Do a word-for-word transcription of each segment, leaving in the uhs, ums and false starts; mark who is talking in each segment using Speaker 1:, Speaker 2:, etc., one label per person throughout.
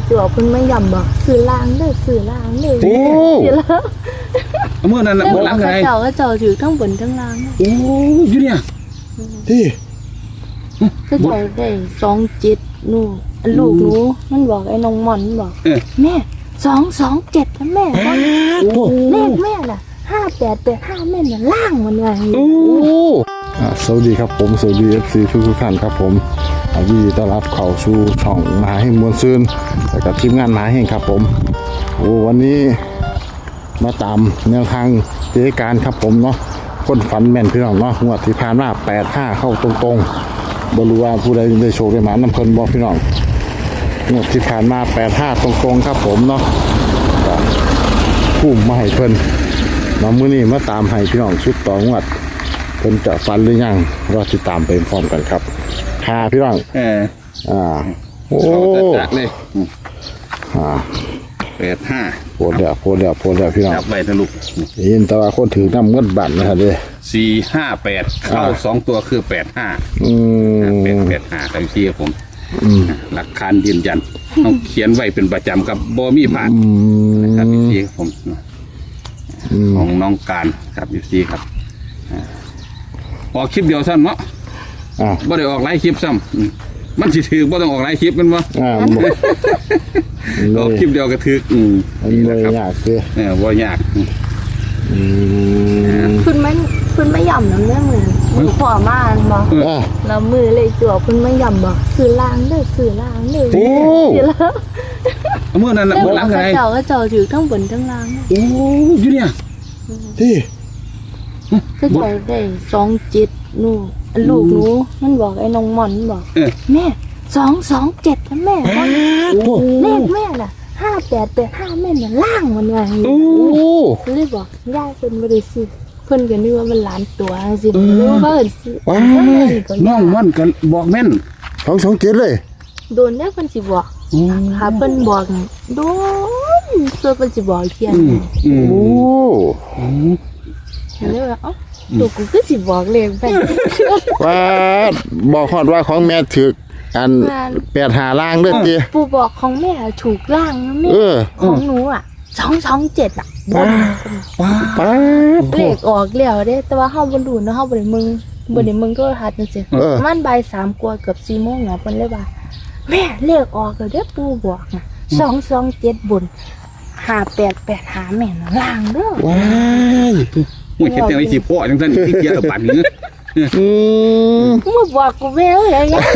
Speaker 1: จั่วเพิ่นไม่ยำบอกสื่อลางเด้อสื่อลางเด้อ
Speaker 2: โอ้
Speaker 1: สื่อลาง
Speaker 2: เมื่อนั้นน่ะ
Speaker 1: แล้ว
Speaker 2: เมื่อห
Speaker 1: บอก
Speaker 2: ลังไง
Speaker 1: เขาเจ้าก็เจ้าถือทั้งบนทั้งล่าง
Speaker 2: โอ้อยู่เนี่ย
Speaker 3: ที่
Speaker 1: ก็เจ้าได้สองเจ็ดนู่นลูกหนูมันบอกไอ้น้องหม่อนมันบอก
Speaker 2: เออ
Speaker 1: แม่สองสองเจ็ดนะแม่
Speaker 3: โอ้
Speaker 1: เลขแม่น่ะห้าแปดแปดห้าแม่น่ะล่างมันไง
Speaker 3: โอ้อ่าสวัสดีครับผมสวัสดี เอฟ ซี ทุกทุกท่านครับผมอ่ายินดีต้อนรับเข้าสู่ช่องมหาแห่งมวลซืนแล้วก็ทีมงานมหาแห่งครับผมโอ้วันนี้มาตามแนวทางเจการครับผมเนาะคนฝันแม่นพี่น้องเนาะงวดที่ผ่านมาแปดห้าเข้าตรงๆบ่รู้ว่าผู้ใดได้โชคได้หมานำเพิ่นบ่พี่น้องงวดที่ผ่านมาแปดห้าตรงๆครับผมเนาะก็พุ่มมาให้เพิ่นเนาะมื้อนี้มาตามให้พี่น้องชุดต่องวดเพิ่นจะฝันหรือยังรอติดตามไปพร้อมกันครับค่ะพี่น้อง
Speaker 2: เออ
Speaker 3: อ่าโอ้
Speaker 2: เขาจะจัดเลย
Speaker 3: อ่า
Speaker 2: แปดห้า
Speaker 3: โพดแล้วโพดแล้วโพดแล้วพี่น้อง
Speaker 2: จับไปทะลุ
Speaker 3: ยินแต่ว่าคนถือน้ำเงินบัตรนะครับเด้
Speaker 2: สี่ห้าแปดเข้าสองตัวคือแปดห้า
Speaker 3: อืม
Speaker 2: เป็นแปดห้าครับพี่ผมหลักฐานยืนยันต้องเขียนไว้เป็นประจำครับบ่มีผ่าน
Speaker 3: อืม
Speaker 2: นะครับพี่ผมของน้องการครับพี่ครับออกคลิปเดียวสั้นเนาะ
Speaker 3: อ่า
Speaker 2: บ่ได้ออกหลายคลิปซ้ำอืมมันสิถือบ่ต้องออกหลายคลิปแมันบ่
Speaker 3: อ่า
Speaker 2: ออกคลิปเดียวก็ถืออืม
Speaker 3: มันเลยยากคือ
Speaker 2: เออบ่ยาก
Speaker 3: อืม
Speaker 1: คุณไม่คุณไม่ยำน้ำเรื่องเลยมือพ่อมาอันบอก
Speaker 3: อ่า
Speaker 1: แล้วมือเลยจั่วคุณไม่ยำบอกสื่อลางเด้อสื่อลางเด้อ
Speaker 3: โอ้
Speaker 1: สื่อลาง
Speaker 2: เมื่อนั้นน่ะ
Speaker 1: แล้ว
Speaker 2: เมื่
Speaker 1: บ
Speaker 2: อ
Speaker 1: อก
Speaker 2: หลัง
Speaker 1: เขา
Speaker 2: ไง
Speaker 1: เจ้าก็เจ้าถือทั้งบนทั้งล่าง
Speaker 2: โอ้อยู่เนี่ย
Speaker 3: ที่
Speaker 1: ก็เจ้าได้สองเจ็ดนู่นลูกหนูมันบอกไอ้น้องหม่อนมันบอก
Speaker 2: เออ
Speaker 1: แม่สองสองเจ็ดนะแม่
Speaker 3: โอ้
Speaker 1: เลขแม่น่ะห้าแปดแปดห้าแม่น่ะล่างมันไง
Speaker 3: โอ้
Speaker 1: ก็เลยบอกย่าเพิ่นไม่ได้ซื้อเพิ่นก็นึกว่ามันหลานตัวสิหรือว่าเพิ่นซื้อ
Speaker 3: ว้า
Speaker 2: น้องมันก็บอกแม่น
Speaker 3: สองสองเจ็ดเลย
Speaker 1: โดนแล้วเพิ่นสิบอกหาเพิ่นบอกโดนเพิ่นเพิ่นสิบอกเที่ยง
Speaker 2: อืมอืม
Speaker 3: โอ้
Speaker 1: เลยว่าเอ้าลูกกูคือสิบอกเลขไป
Speaker 3: ว่าบอกฮอดว่าของแม่ถืออันแปดหาล่างเด้อจี
Speaker 1: ปู่บอกของแม่ถูกล่างนะแม่
Speaker 3: เออ
Speaker 1: ของหนูอ่ะสองสองเจ็ดอ่ะบน
Speaker 2: ว้า
Speaker 3: ป้าด
Speaker 1: เลขออกแล้วเด้แต่ว่าเฮาบ่รู้เนาะเฮาบ่ได้มึงบ่ได้มึงโทรทัศน์จังซี่
Speaker 3: เออ
Speaker 1: ประมันบ่ายสามกว่าเกือบสี่โมงแล้วเพิ่นเลยว่าแม่เลขออกแล้วเด้อปู่บอกน่ะสองสองเจ็ดบนห้าแปดแปดหาแม่น่ะล่างเด้อ
Speaker 3: ว้าย
Speaker 2: โอ้ยเฮ็ดจังได๋สิพ่อจังซั่นที่เกียร์บัดนี้
Speaker 3: อืม
Speaker 1: มึงบอกกูแม่เอ้ยอะไรเงี้ย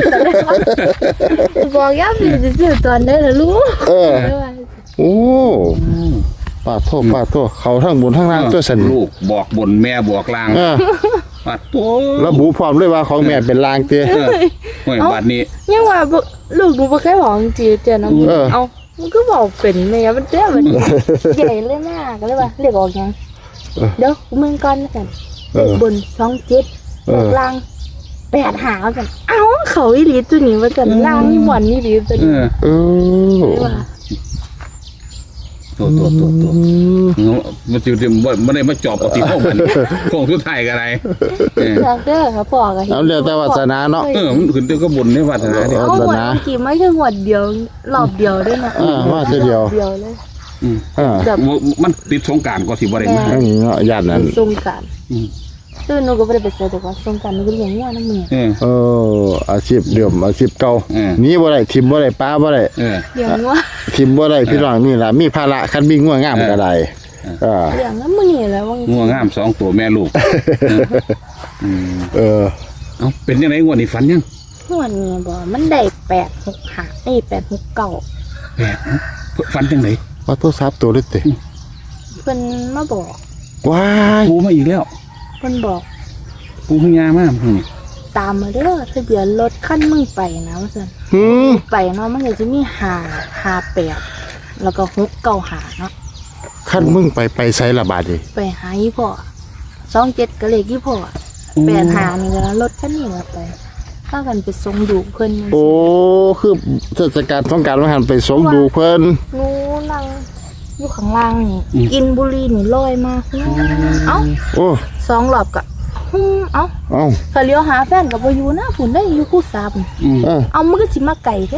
Speaker 1: บอกย่าพี่จะซื้อตอนได้ล่ะลูก
Speaker 3: เออ โอ้ปาดโทษปาดโทษเขาทั้งบนทั้งล่างตัวสัน
Speaker 2: ลูกบอกบนแม่บอกล่าง
Speaker 3: อ่า
Speaker 2: ปัดโต
Speaker 3: ระบุพร้อมด้วยว่าของแม่เป็นลางเตี้ย
Speaker 2: เออโอ้ยบัดนี้
Speaker 1: ยังว่าบ่ลูกหนูบ่เคยบอกจริงๆเจ้าน้ำ
Speaker 3: เออ
Speaker 1: เอามันก็บอกเป็นแม่มันเด้อมันใหญ่เลยมากก็เลยว่าเรียกออกยังเดี๋ยวมึงก่อนกันเลขบนสองเจ็ดบอกล่างแปดหากันเอ้าเขาอีหลีตัวนี้ว่ากันล่างนี่หมอนนี่หลีตัว
Speaker 2: เอ
Speaker 1: นี้
Speaker 2: อ
Speaker 3: เออ
Speaker 1: เลยว่า
Speaker 2: โตโตโตโตมันสิบ่บ่ได้มาจอบเอาที่ห้องมันคงสุดท้ายก็ได้เออ
Speaker 1: อยากเด้อครับพ่อก็เห็น
Speaker 3: เอาเรียกแต่วาสนาเนาะ
Speaker 2: เออมันขึ้นแต่ก็บนในวาสนาเด้อ
Speaker 1: เอาหมดเมื่อกี้ไม่ใช่หมดเดียวรอบเดียวด้วยนะ
Speaker 3: อ่าว่าจะเดียว
Speaker 1: เดียวเลย
Speaker 2: อืม
Speaker 3: อ่า
Speaker 1: แบบ
Speaker 2: มันติดสงกรานต์ก็สิบ่ได้มา
Speaker 3: อันนี้เนาะญาตินั้น
Speaker 1: ทรงการ
Speaker 2: อืม
Speaker 1: คือหนูก็ไม่ได้ไปใส่แต่ว่าทรงการหนูก็เลี้ยงง่ายนะมึง
Speaker 2: เออ
Speaker 3: เอออาชีพเดิมอาชีพเก่า
Speaker 2: เออ
Speaker 3: หนี้บ่ได้ทิมบ่ได้ป้าบ่ได้
Speaker 2: เออ
Speaker 1: เลี้ยงว่า
Speaker 3: ทิมบ่ได้พี่น้องนี่ล่ะมีภาระคันมีง่วงงามก็ได้อ่า
Speaker 1: เลี้ยงแล้วมึงนี่แหละว่า
Speaker 2: งัวงามสองตัวแม่ลูกอืม
Speaker 3: เออ
Speaker 2: เอ้าเป็นยังไงงวดนี้ฝันยัง
Speaker 1: หวดนี่บ่มันได้แปดหกหาไอ้แปดหกเก่า
Speaker 2: แปดฝันจังได
Speaker 3: ว่าโทรศัพท์ตัวเล็กติ
Speaker 1: เพิ่นมาบอก
Speaker 3: ว้าย
Speaker 2: ปูมาอีกแล้ว
Speaker 1: เพิ่นบอก
Speaker 2: ปูพญามากอืม
Speaker 1: ตามมาเด้อทะเบียนรถคันมึงไปนะว่าซั่น
Speaker 3: หืม
Speaker 1: ไปเนาะมันก็จะมีห้าห้าแปดแล้วก็หกเก้าหาเนาะ
Speaker 3: คันมึงไปไปไสละบาดนี่
Speaker 1: ไปหาอีพ่อสองเจ็ดก็เลขอีพ่อแปดหานี่ก็รถคันนี้ก็ไปถ้ากันไปส่งดูเพิ่น
Speaker 3: โอ้คือเทศกาลสงกรานต์ว่าหันไปสมดูเพิ่น
Speaker 1: หนูนั่งอยู่ข้างล่างนี่กินบุหรี่นี่ลอยมาเอ้า
Speaker 3: โอ้
Speaker 1: สองรอบก็ฮึมเอ้า
Speaker 3: เอ้า
Speaker 1: ก็เลี้ยวหาแฟนก็บ่อยู่นะพุ่นได้อยู่คู่สาบ
Speaker 2: อืม
Speaker 3: เออ
Speaker 1: เอามันก็สิมาไก่แท้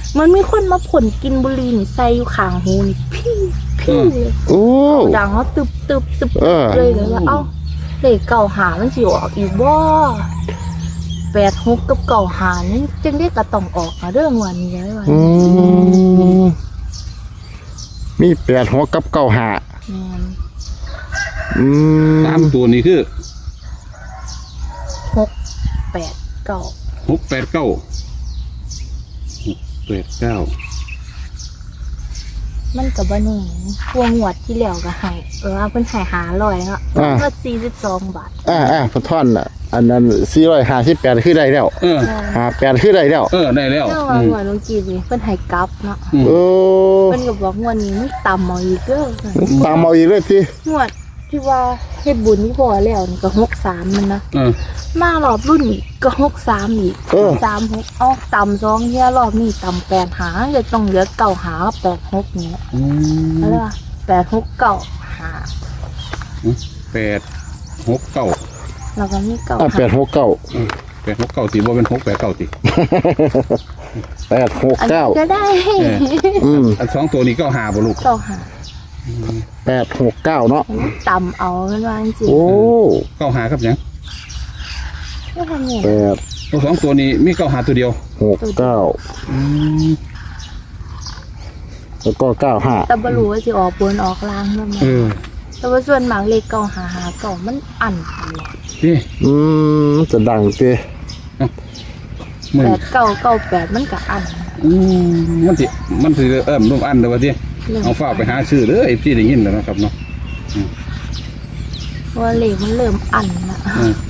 Speaker 1: มันมีคนมาผลกินบุหรี่นี่ใส่อยู่ข้างหูนี่พี่พี่เลย
Speaker 3: โอ้
Speaker 1: ดังเขาตึบตึบตึบ
Speaker 3: เออ
Speaker 1: เลยเลยว่าเอ้าเลขเก่าหามันสิออกอีกบ่แปดหกกับเก่าหานี่จังได้กระต้องออกมาเรื่องวันนี้เลยว่า
Speaker 3: อืมมีแปดหัวกับเก้าหา
Speaker 1: แม่น
Speaker 3: อืม
Speaker 2: สามตัวนี้คือ
Speaker 1: หกแปดเก้า
Speaker 2: หกแปดเก้าหกแปดเก้า
Speaker 1: มันกับบ้านนี่พวงหวดที่แล้วก็ให้เออเพิ่นให้หาลอยเนาะก็สี่สิบสองบาท
Speaker 3: อ่าอ่าพอท่อนอ่ะ อันนั้นสี่ร้อยห้าสิบแปดคือได้แล้ว
Speaker 2: เออ
Speaker 3: หาแปดคือได้แล้ว
Speaker 2: เออได้แล้ว
Speaker 1: เจ้า
Speaker 2: อื
Speaker 1: ว่าม หวดลงกีนี่เพิ่นให้กลับเนาะ
Speaker 3: โอ้
Speaker 1: เพิ่นก็บอกงวดนี้มันต่ำเอาอีกเด้อ
Speaker 3: ตามเอาอีกเลยที
Speaker 1: งวดที่ว่าเฮ็ดบุญที่พอแล้วนี่ก็หกสามมันนะ
Speaker 2: เออ
Speaker 1: มารอบรุ่นอีกก็หกสามอีก
Speaker 3: เออ
Speaker 1: สามหกเอาต่ำสองเที่ยรอบนี้ต่ำแปดหาจะต้องเหลือเก่าหาแปดหกเนี้ย
Speaker 2: อืม
Speaker 1: อะไรวะแปดหกเก่าหา
Speaker 2: แปดหกเก้า
Speaker 1: แล้วก็มีเก่า
Speaker 3: อ่า
Speaker 1: หา
Speaker 3: แปดหกเก้า
Speaker 2: แปดหกเก้าตีว่าเป็นหกแปดเก้าตี
Speaker 3: แปดหก
Speaker 1: อัน
Speaker 3: เก้า
Speaker 1: นี้ก็ได้
Speaker 3: อืม
Speaker 2: อันสองตัวนี้ก็หาบ่ลูก
Speaker 1: เก่าหา
Speaker 3: แปดหกเก้าเนาะ
Speaker 1: อันนี้ต่ำเอาเป็นว่าจริง
Speaker 3: โอ้
Speaker 2: เก้าหาครับยัง
Speaker 1: ๆไม่ทำเนี่ย
Speaker 3: แปด
Speaker 2: ตัวสองตัวนี้มีเก้าหาตัวเดียว
Speaker 3: หกเก้า
Speaker 2: อืม
Speaker 3: แล้วก็เก้าห้า
Speaker 1: แต่บรู้ว่าสิออกบนออกล่างด้วยมั้ย
Speaker 2: เออ
Speaker 1: แต่ว่าส่วนหมากเลขเก่าหาหาเก่ามันอันตลอด
Speaker 2: นี่
Speaker 3: อืมจะดังเต้
Speaker 2: มัน
Speaker 1: แปดเก่าเก่าแปดมันก็อัน
Speaker 2: อืมมันสิมันสิเอิ่มร่วมอันเด้อว่าติ
Speaker 1: เรื่อง
Speaker 2: เอาฝากไปหาซื้อเด้อไอ้พี่ได้ยินแล้วนะครับเนาะ
Speaker 1: ว่าเลขมันเริ่มอันละ
Speaker 2: อืม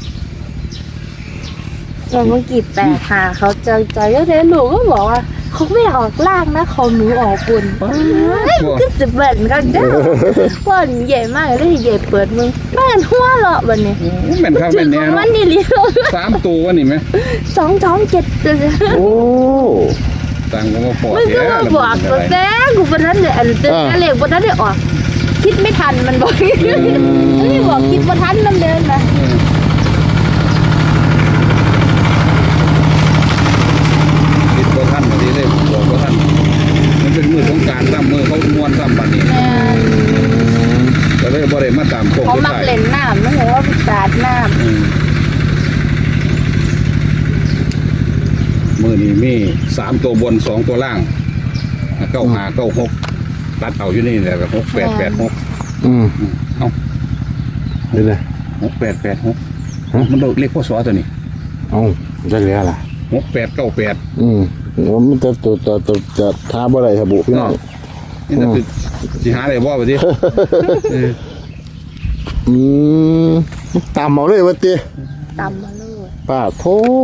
Speaker 1: อย่างเมื่อกี้แปดหาเขาใจใจก็เทหนูก็บอกว่าเขาไม่ออกล่างนะเขาหนูออกบนก็จะเบิ่นกันเด้อว่าใหญ่มากเลยใหญ่เปิดมึงแม่นหัวเราะบัดนี้
Speaker 2: โอ้แม่นครับ
Speaker 1: ถึ
Speaker 2: แม่
Speaker 1: ง
Speaker 2: น
Speaker 1: ข
Speaker 2: แน่
Speaker 1: อง
Speaker 2: เนาะ
Speaker 1: มันนี่ลิ
Speaker 2: สามตัววะนี่ไหม
Speaker 1: สองสองเจ็ด
Speaker 3: โอ้
Speaker 2: ต่างก็มาพอ
Speaker 1: มันก็
Speaker 2: แท้
Speaker 1: มา
Speaker 2: แล้ว
Speaker 1: บอก
Speaker 2: มัน
Speaker 1: ตัว
Speaker 2: อะไร
Speaker 1: แต้กูบนนั้นเลยอันเต้นเลขบนนั้นได้ออก คิดไม่ทันมันบอกไม่บอกคิดบนทันมันเดินนะ
Speaker 2: ติดบ่ทันบัดนี้เลยบอกบ่ทันมันเป็นมือสงกรานต์ซ้ำมือเขาม่วนซ้ำบัดนี้
Speaker 1: แม่
Speaker 2: ก็เลยบ่ได้มาตามโค้ง
Speaker 1: เขา
Speaker 2: สุด
Speaker 1: มัก
Speaker 2: ท้าย
Speaker 1: เล่นน้ำมันเหมือนว่าสาดน้
Speaker 2: อืมมือนี้มีสามตัวบนสองตัวล่างเก้าหาเก้าหกตัดเอาอยู่นี่แหละแบบหกแปดแปดหก
Speaker 3: อืม
Speaker 2: เอ้า
Speaker 3: เดี๋ยวเลย
Speaker 2: หกแปดแปดหก
Speaker 3: ฮะ
Speaker 2: มันเลขพ่อสอตัวนี้
Speaker 3: เอ้าได้แล้วล่ะ
Speaker 2: หกแปดเก้าแปด
Speaker 3: อืมว่ามันจะตัวตัวตัวจะท้าบ่ได้ระบุพี่น้อง
Speaker 2: นี่จะคือสิหาอะไรบ่ไปดิเออ
Speaker 3: อืมตามเอาเลยวะเต้
Speaker 1: ำตำมาเลย
Speaker 3: ป้าโท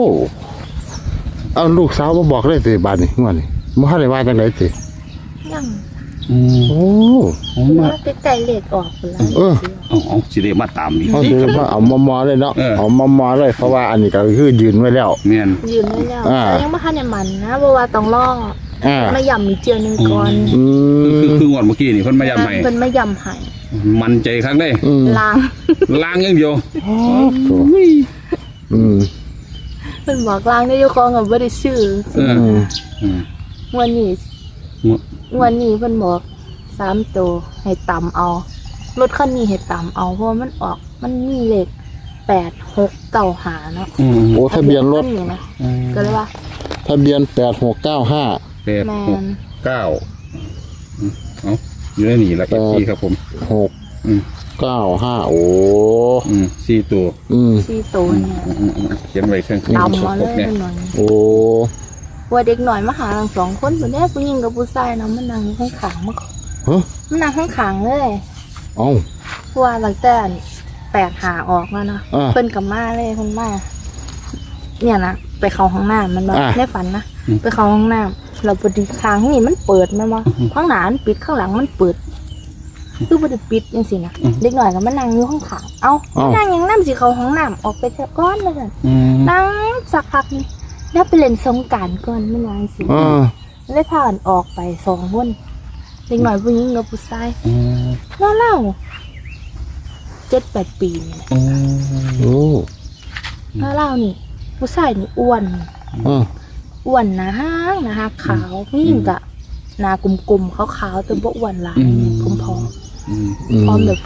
Speaker 3: เอาลูกสาวมาบอกเลยสิบาดนี่งวดนี่บ่ทันได้ว่าจังไดสิ
Speaker 1: ยัง
Speaker 2: อืม
Speaker 3: โอ้
Speaker 2: เอามา
Speaker 1: ว่าใกล้ๆเลขออกไปแล้ว
Speaker 3: เออ
Speaker 2: เอาเอาสิได้มาตามอีก
Speaker 3: เขาสิว่าเอามอมอเลยเนาะ
Speaker 2: เออ
Speaker 3: เอามอมอเลยเพราะว่าอันนี้ก็คือยืนไว้แล้ว
Speaker 2: แม่น
Speaker 1: ยืนไว้แล้ว
Speaker 3: อ่า
Speaker 1: แต่ยังไม่ทันได้มันนะเพราะว่าต้องรอ
Speaker 3: อ่า
Speaker 1: มาย่ำอีกเจียวหนึ่งก่อน
Speaker 3: อื
Speaker 2: คือ
Speaker 3: ม
Speaker 2: คืองวดเมื่อกี้นี่เพิ่นมาย้ำให้
Speaker 1: เป็นไม่ย่ำให้
Speaker 2: มันใจครั้งได้
Speaker 3: อืม
Speaker 1: ล้าง
Speaker 2: ล้างอย่างเดียว
Speaker 3: อืม
Speaker 1: เป็นบอกล้างได้ยกองกับไม่ได้ชื่อ
Speaker 2: เออ
Speaker 3: อืม
Speaker 2: อืม
Speaker 1: วันนี้
Speaker 2: งวด
Speaker 1: วันนี้เพิ่นบอกสามตัวให้ต่ำเอารถคันนี้ให้ต่ำเอาเพราะว่ามันออกมันมีเลขแปดหกเก้าหาเนาะ
Speaker 2: อืม
Speaker 3: โอ้ทะเบียนรถ
Speaker 1: คันี้นะก็เลยว่า
Speaker 3: ทะเบียนแปดหกเก้าห้า
Speaker 2: แปด
Speaker 1: แม
Speaker 2: หก
Speaker 1: น
Speaker 2: เก้าอืมเอาอยู่ในนี่ละเอฟซีครับผม
Speaker 3: หก
Speaker 2: อืม
Speaker 3: เก้าห้าโอ้
Speaker 2: อืมสี่ตัว
Speaker 3: อืม
Speaker 1: สี่ตัวเนี่ย
Speaker 2: อืมอืมอืมเขียนไว้เครื่อง
Speaker 1: ต่ำมาเล
Speaker 2: ห
Speaker 1: ย
Speaker 2: กเนี่ย
Speaker 1: หน่อย
Speaker 3: โอ้
Speaker 1: ว่าเด็กหน่อยมาหาทั้งสองคนคนนี้ผู้หญิงกับผู้ชายนะมันนั่งข้างขางๆมา
Speaker 3: ฮะ
Speaker 1: มันนั่งข้างขางๆเลย
Speaker 3: เอ้า
Speaker 1: เพราะว่าหลังแต่แปดหาออกแล้วเนาะ
Speaker 3: อ่า
Speaker 1: เพิ่นกับมาเลยเพิ่นมาเนี่ยนะไปเข้าห้องน้ำมันบ่
Speaker 3: อ่า
Speaker 1: ในฝันนะไปเข้าห้องน้ำเราปฏิค้างนี่มันเปิดแม่นบ่ข้างหน้ามันปิดข้างหลังมันเปิดคือบ่ได้ปิดจังซี่นะเด็กหน่อยก็มานั่งอยู่ข้างขางๆเอ้า
Speaker 3: เอ้า
Speaker 1: นั่งยังน้ำสิเข้าห้องน้ำออกไปเถอะก่อนว่าซั่น
Speaker 2: อืม
Speaker 1: นั่งสักพักนี่แล้วไปเล่นสงกรานต์ก่อนไม่นานสิ
Speaker 3: อ่า
Speaker 1: เลยพากันออกไปสองคนเด็กหน่อยผู้หญิงกับผู้ชาย
Speaker 2: อืม
Speaker 1: เล่าเล่าเจ็ดแปดปีนี่
Speaker 2: อืม
Speaker 3: โอ้
Speaker 1: เล่าเล่านี่ ผู้ชายนี่อ้วน
Speaker 3: อ่า
Speaker 1: อ้วนนะฮะนะฮะขาวนี่กะหนากลมๆขาวๆแต่บ่อ้วนหลายผมพอ
Speaker 2: อืม
Speaker 1: พร้อมแบบ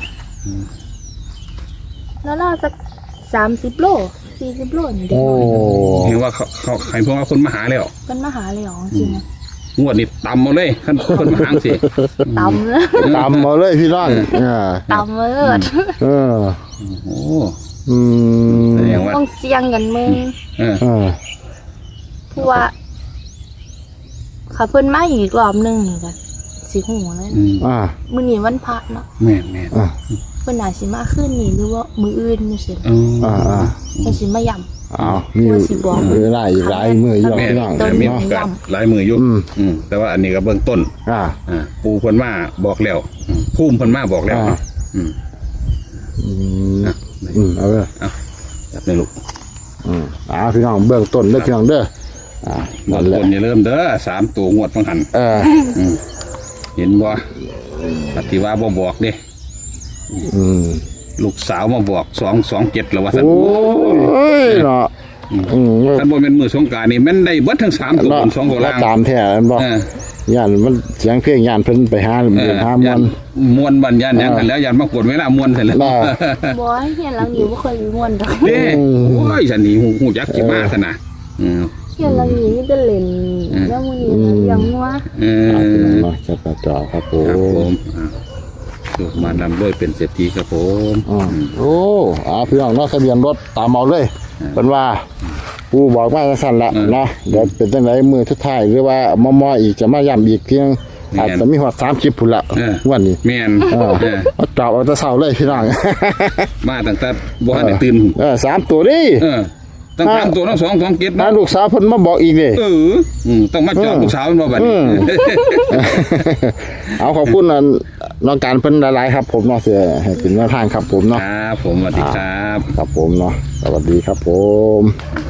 Speaker 1: แล้วน่าสักสามสิบโลสี่สิบโลนี่เด็ก
Speaker 3: โอ้
Speaker 1: น้อย
Speaker 2: เห็นว่าเขาเขาใครพวกว่าคนมาหาแล้ว
Speaker 1: เป็นมหาเลยหรอจริงนะ
Speaker 2: งวดนี้ตำมาเลยขั้นคนมาหาสิ
Speaker 1: ตำเลย
Speaker 3: ตามมาเลยพี่น้องอ่า
Speaker 1: ตำเลย
Speaker 3: เออ
Speaker 2: โอ้
Speaker 3: อืม
Speaker 2: แสดงว่า
Speaker 1: ต้องเสี่ยงกันมึง
Speaker 2: เออ
Speaker 3: เออ
Speaker 1: เพราะว่าขาเพิ่นมาอีกรอบหนึงนี่กันสิหูเลย
Speaker 2: อืม
Speaker 3: อ่า
Speaker 1: มื้อนี้วันพระเนาะ
Speaker 2: แม่นแม่น
Speaker 3: อ่า
Speaker 1: เพิ่นน่าสิมาคืนนี้หรือว่ามื้ออื่นจังซี่
Speaker 2: เออ
Speaker 3: อ่าอ่า
Speaker 1: เพิ่นสิมาย่ำ
Speaker 3: อ้าวมีเวลาอีกหลายมืออยู่
Speaker 2: แม่น
Speaker 3: พี่น้อง
Speaker 1: ต้น
Speaker 2: มี
Speaker 1: ไม้
Speaker 2: โอกาส
Speaker 1: ย่ำ
Speaker 2: หลายมืออยู่
Speaker 3: อืม
Speaker 2: อืมแต่ว่าอันนี้ก็เบื้องต้น
Speaker 3: อ่า
Speaker 2: อ่าปูเพิ่นมาบอกแล้วอืมภูมิเพิ่นมาบอกแล้ว
Speaker 3: อ่า
Speaker 2: อืม
Speaker 3: อืม
Speaker 2: อ่ะ
Speaker 3: อืมเอาเลย
Speaker 2: เอาจับในลูก
Speaker 3: อืมอ่าพี่น้องเบื้องต้นเด้อพี่น้องเด้ออ่า
Speaker 2: บา
Speaker 3: นั่
Speaker 2: ง
Speaker 3: นแห
Speaker 2: ค
Speaker 3: ละ
Speaker 2: นอย่าเริ่มเด้อสามตัวงวดฟังหัน
Speaker 3: เออ
Speaker 2: อืมเห็นบ่ปฏิว่าบ่บอกเด้
Speaker 3: อืม
Speaker 2: ลูกสาวมาบอกสองสองเจ็ดแล้วว่าสัน
Speaker 3: โอ้ยเนาะอืม
Speaker 2: ท่านบ่เป็นมือสงกรานต์นี่แม่นได้เบิดทั้งสามตัว
Speaker 3: เนาะ
Speaker 2: บนสองตัว
Speaker 3: แล้ว
Speaker 2: ล่าง
Speaker 3: ตามแท้อันบ่
Speaker 2: เออย่
Speaker 3: านมันเสียงเพลงย่านเพิ่นไปหา
Speaker 2: เอ
Speaker 3: เดิ
Speaker 2: อน
Speaker 3: หามัน
Speaker 2: มวนบันยันหยังกันแล้วยันมากดเวลามวนเสร็จแล้ว
Speaker 3: น่ะ
Speaker 1: บ่ให้เฮียนหลังนี้บ่เคยมีม่วนดอก
Speaker 2: เด้โอ้ยฉันนี่หูหูจักสิมาซะนะอืม
Speaker 1: เฮียนหลังนี้มีแต่เล่นแล้วมื้อนี้เราเลี้ยงงัว
Speaker 2: เออ
Speaker 3: อ่าพี่น้องเนาะจะประจอครับผ
Speaker 2: ครับผม
Speaker 3: ม
Speaker 2: อ่าลูกมานำด้วยเป็นเศรษฐีครับผม
Speaker 3: อืมโอ้อ่าพี่น้องเนาะทะเบียนรถตามเอาเลยเพิ่นว่าผู้บอกมาจังซั่นละเนาะเดี๋ยวเป็นจังไดมือสุดท้ายหรือว่ามอๆอีกจะมาย้ำอีกเพียงอาจจะมีฮอดสามคลิปพุ่นละวันนี้
Speaker 2: แม่น
Speaker 3: เออ
Speaker 2: เออ
Speaker 3: เอาจอบเอาแต่เช้าเลยพี่น้อง
Speaker 2: มาตั้งแต่บ่ทันได้ตื่น
Speaker 3: เออสามตัวดิ
Speaker 2: เออตั้งสามตัวทั้งสองสองเจ็ด
Speaker 3: น้า
Speaker 2: นะ
Speaker 3: ลูกสาวเพิ่นมาบอกอีกเด้
Speaker 2: เอออืมต้องมาจอดลูกสาวมันบ่บัดนี้
Speaker 3: เอาขอบคุณนะน้องการเพิ่นหลายๆครับ ผมเนาะเสียให้เป็นแนวทางครับผม
Speaker 2: ค
Speaker 3: เนาะ
Speaker 2: รับผมสวัสดีครับ
Speaker 3: ครับผมเนาะสวัสดีครับผม